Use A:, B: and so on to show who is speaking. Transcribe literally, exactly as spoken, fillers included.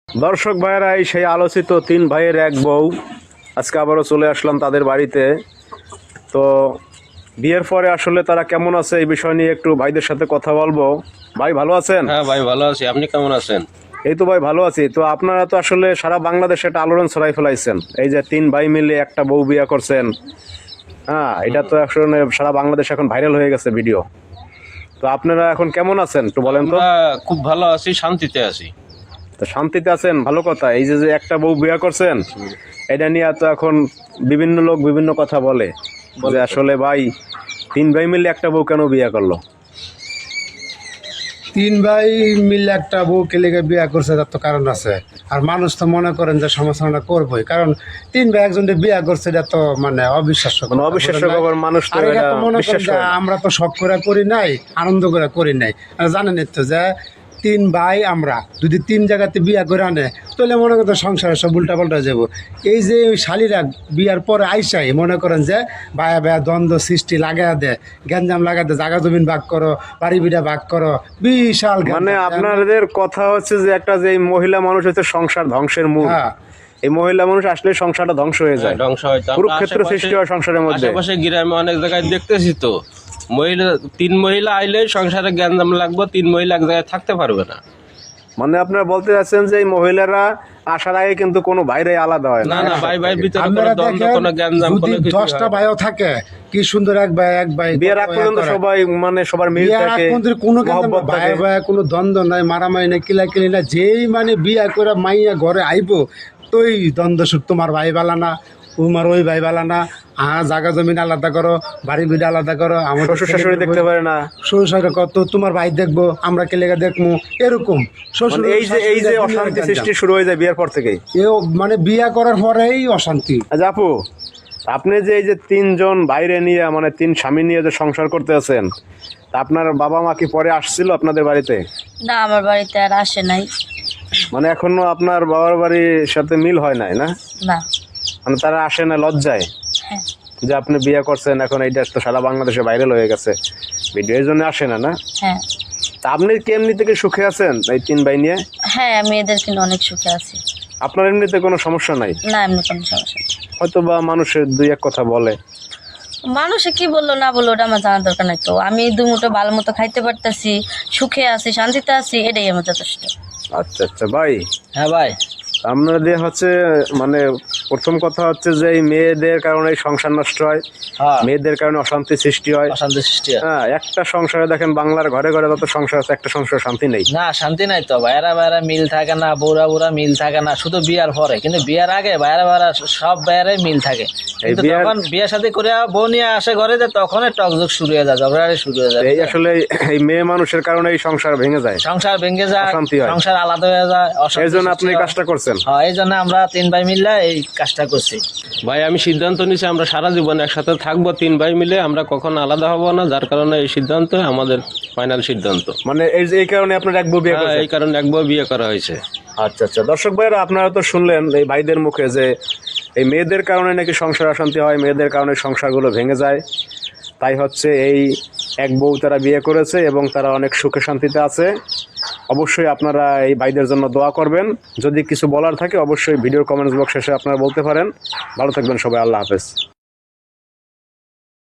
A: দর্শক ভাইয়েরা, এই সেই আলোচিত তিন ভাইয়ের এক বউ আজকে আবারও চলে আসলাম তাদের বাড়িতে। তো বিয়ের পরে আসলে তারা কেমন আছে এই বিষয় নিয়ে একটু ভাইদের সাথে কথা বলবো। ভাই ভালো আছেন?
B: হ্যাঁ ভাই ভালো আছি, আপনি কেমন আছেন?
A: এই তো ভাই ভালো আছি। তো আপনারা তো আসলে সারা বাংলাদেশে একটা আলোড়ন ছড়াই ফেলাইছেন, এই যে তিন ভাই মিলে একটা বউ বিয়ে করছেন। হ্যাঁ, এটা তো আসলে সারা বাংলাদেশ এখন ভাইরাল হয়ে গেছে ভিডিও। তো আপনারা এখন কেমন আছেন একটু বলেন তো?
B: আমরা খুব ভালো আছি, শান্তিতে আছি।
A: তো শান্তিতে আছেন, ভালো কথা। এই যে যে একটা বউ বিয়ে করছেন, এটা নিয়ে তো এখন বিভিন্ন লোক বিভিন্ন কথা বলে যে আসলে ভাই তিন ভাই মিলে একটা বউ কেন বিয়ে করলো?
C: তিন ভাই মিলে একটা বউকে লেগে বিয়ে করছে, তার তো কারণ আছে। আর মানুষ তো মনে করেন যে সমালোচনা করবোই, কারণ তিন ভাই একজনকে বিয়ে করছে, এটা তো মানে অবিশ্বাস্য,
A: মানে অবিশ্বাস্য খবর। মানুষ তো
C: আর এটা
A: এটা
C: তো মনে করেন
A: বিশ্বাস
C: যে
A: করে না।
C: আমরা তো শখ করে করি নাই, আনন্দ করে করি নাই। আর জানেন তো যে তিন ভাই আমরা যদি তিন জায়গাতে বিয়ে করে আনে, তাহলে মনে করতো সংসারে সব উল্টা পাল্টা যাবো। এই যে ওই শালিরা বিয়ার পরে আইসাই মনে করেন যে বায়া বায়া দ্বন্দ্ব সৃষ্টি লাগাই দেয়, গ্যাঞ্জাম লাগাই দেয়, জাগা জমিন ভাগ করো, বাড়ি বিড়া ভাগ করো, বিশাল গ্যাঞ্জাম।
A: মানে আপনাদের কথা হচ্ছে যে একটা যে এই মহিলা মানুষ হচ্ছে সংসার ধ্বংসের মূল।
C: হ্যাঁ,
A: এই মহিলা মানুষ আসলে সংসারটা ধ্বংস হয়ে যায়,
B: ধ্বংস হয়তো
A: কুরুক্ষেত্র সৃষ্টি হয় সংসারের মধ্যে।
B: আশেপাশে গ্রামে অনেক জায়গায় দেখতেছি তো, মহিলা তিন মহিলা আইলে সংসারে গ্যাঞ্জাম লাগবে, তিন মহিলা এক জায়গায় থাকতে পারবে না।
A: মানে আপনারা বলতে চাচ্ছেন যে এই মহিলারা আসার আগে কিন্তু কোনো বাইরে আলাদা হয় না?
B: না না, ভাই ভাই ভিতরে কোনো
C: আপনারা
B: দ্বন্দ্ব,
C: দেখেন
B: কোনো গ্যাঞ্জাম,
C: যদি
B: কোনো কিছু
C: দশটা
B: হয় না।
C: ভাইও থাকে, কি সুন্দর এক ভাই এক ভাই
A: বিয়ের আগ পর্যন্ত সবাই মানে সবার মিল
C: বিয়ের আগ
A: থাকে,
C: পর্যন্ত কোনো গ্যাঞ্জাম
A: মহব্বত
C: ভাই
A: থাকে।
C: ভাই কোনো দ্বন্দ্ব নাই, মারামারি নাই, কিলাকিলি না। যেই মানে বিয়ে করে মাইয়া ঘরে আইবো, তোই দ্বন্দ্ব সুখ, তোমার ভাই বালা না, তোমার ওই ভাই বালা না, হ্যাঁ জায়গা জমিন আলাদা করো, বাড়ি বিড়ি আলাদা করো, আমার
A: শ্বশুর শাশুড়ি দেখতে পারে না।
C: শ্বশুর শাশুড়ি কত, তোমার ভাই দেখবো, আমরা কে লেগে দেখবো, এরকম শ্বশুর
A: মানে এই যে এই যে অশান্তি সৃষ্টি শুরু হয়ে যায় বিয়ের পর থেকেই।
C: এও মানে বিয়ে করার পরেই অশান্তি।
A: আচ্ছা আপু, আপনি যে এই যে তিনজন বাইরে নিয়ে মানে তিন স্বামী নিয়ে যে সংসার করতে আছেন, তা আপনার বাবা মা কি পরে আসছিল আপনাদের বাড়িতে?
D: না, আমার বাড়িতে আর আসে নাই।
A: মানে এখনো আপনার বাবার বাড়ির সাথে মিল হয় নাই না?
D: না।
A: মানে তারা আসে না লজ্জায়
D: হ্যাঁ।
A: যে আপনি বিয়ে করছেন? এখন এইটা তো সারা বাংলাদেশে ভাইরাল হয়ে গেছে ভিডিও, এই জন্য আসে না না?
D: হ্যাঁ।
A: তা আপনি কি এমনি থেকে সুখে আছেন এই তিন ভাই নিয়ে?
D: হ্যাঁ, আমি এদের কিন্তু অনেক সুখে আছি।
A: আপনার এমনিতে কোনো সমস্যা নাই?
D: না, এমনি কোনো সমস্যা নেই।
A: হয়তো বা মানুষের দুই এক কথা বলে।
D: মানুষে কি বললো না বললো ওটা আমার জানার দরকার নাই। তো আমি দুমুটো ভালো মতো খাইতে পারতেছি, সুখে আছি, শান্তিতে আছি, এটাই আমার যথেষ্ট।
A: আচ্ছা আচ্ছা ভাই,
B: হ্যাঁ ভাই,
A: আপনাদের হচ্ছে মানে প্রথম কথা হচ্ছে যে এই মেয়েদের কারণে সংসার নষ্ট হয়,
B: হ্যাঁ
A: মেয়েদের কারণে অশান্তি সৃষ্টি হয়।
B: অশান্তি সৃষ্টি হয়।
A: হ্যাঁ, একটা সংসারে দেখেন বাংলার ঘরে ঘরে যত সংসার আছে, একটা সংসারে শান্তি নেই।
E: না, শান্তি নাই তো, বাইরা বাইরা মিল থাকে না, বৌরা বুড়া মিল থাকে না, শুধু বিয়ার পরে। কিন্তু বিয়ার আগে বাইরা বাইরা সব বাইরে মিল থাকে, কিন্তু
A: বিয়ার-
E: তখন বিয়ে শাদী করে বউ নিয়ে আসে ঘরে, যে তখন টকঝক শুরু হয়ে যায়, ঝগড়াঝাটি শুরু হয়ে যায়।
A: এই আসলে এই মেয়ে মানুষের কারণে এই সংসার ভেঙে যায়,
E: সংসার ভেঙে যায়,
A: অশান্তি হয়।
E: সংসার আলাদা হয়ে যায়, অশান্তি
A: এই জন্য
E: সৃষ্টি
A: আপনি এই
E: হয়।
A: কাজটা করছেন।
E: হ্যাঁ, এই জন্য আমরা তিন ভাই মিলে এই কাজটা করছি।
B: ভাই আমি সিদ্ধান্ত নিয়েছি আমরা সারা জীবন একসাথে থাকবো, তিন ভাই মিলে, আমরা কখনো আলাদা হব না। যার কারণে এই সিদ্ধান্ত আমাদের ফাইনাল সিদ্ধান্ত।
A: মানে এই যে এই কারণে আপনার এক বউ বিয়ে
B: হ্যাঁ,
A: করছেন?
B: এই কারণে একবার বিয়ে করা হয়েছে।
A: আচ্ছা আচ্ছা, দর্শক ভাইরা আপনারা তো শুনলেন এই ভাইদের মুখে যে এই মেয়েদের কারণে নাকি সংসার অশান্তি হয়, মেয়েদের কারণে সংসারগুলো ভেঙে যায়। তাই হচ্ছে এই এক বউ তারা বিয়ে করেছে এবং তারা অনেক সুখে শান্তিতে আছে। অবশ্যই আপনারা এই ভাইদের জন্য দোয়া করবেন। যদি কিছু বলার থাকে অবশ্যই ভিডিওর কমেন্টস বক্স শেষে আপনারা বলতে পারেন। ভালো থাকবেন সবাই, আল্লাহ হাফেজ।